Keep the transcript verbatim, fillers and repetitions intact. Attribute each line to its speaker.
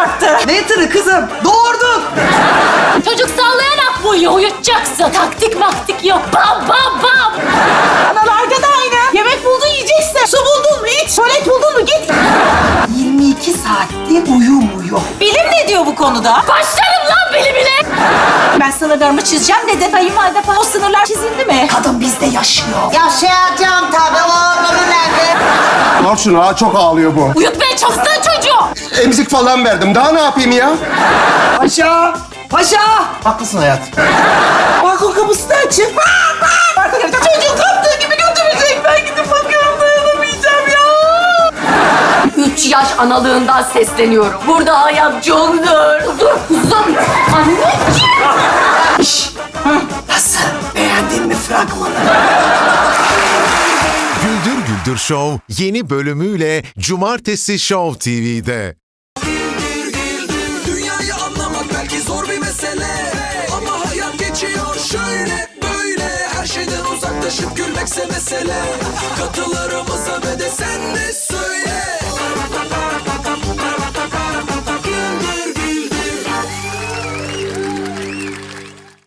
Speaker 1: yaptı. Ne tırı kızım? Doğurduk.
Speaker 2: Çocuk sallayarak bu uyuyor, uyutacaksın. Taktik maktik yok. Bam bam bam.
Speaker 1: Analarga da aynı. Yemek buldun yiyeceksin. Su buldun mu iç. Tuvalet buldun mu git. yirmi iki saatte uyumuyor. Bilim ne diyor bu konuda?
Speaker 2: Başlarım lan beni bile.
Speaker 1: Ben sınırlarımı çizeceğim dedi. Kayınvalide falan. O sınırlar çizildi mi? Kadın bizde yaşıyor.
Speaker 3: Yaşayacağım tabii, oğlumu nerede?
Speaker 4: Al şunu ha, çok ağlıyor bu.
Speaker 2: Uyutmaya çalışsana çocuğu.
Speaker 4: Emzik falan verdim. Daha ne yapayım ya?
Speaker 1: Paşa! Paşa!
Speaker 4: Haklısın hayat.
Speaker 1: Balkon kapısı da açık. Artık çocuğun kaptığı gibi götürecek. Ben gidip bakıyorum, dayanamayacağım ya.
Speaker 2: Üç yaş analığından sesleniyorum. Burada hayat çok zor. Dur kuzum. Anneciğim.
Speaker 1: Nasıl? Beğendin mi fragmanı?
Speaker 5: Güldür Güldür Show yeni bölümüyle Cumartesi Show T V'de.
Speaker 6: Dünyayı anlamak belki zor bir mesele, ama hayat geçiyor şöyle böyle. Her şeyden uzaklaşıp gülmekse mesele. Katılarımıza ve de sen de söyle.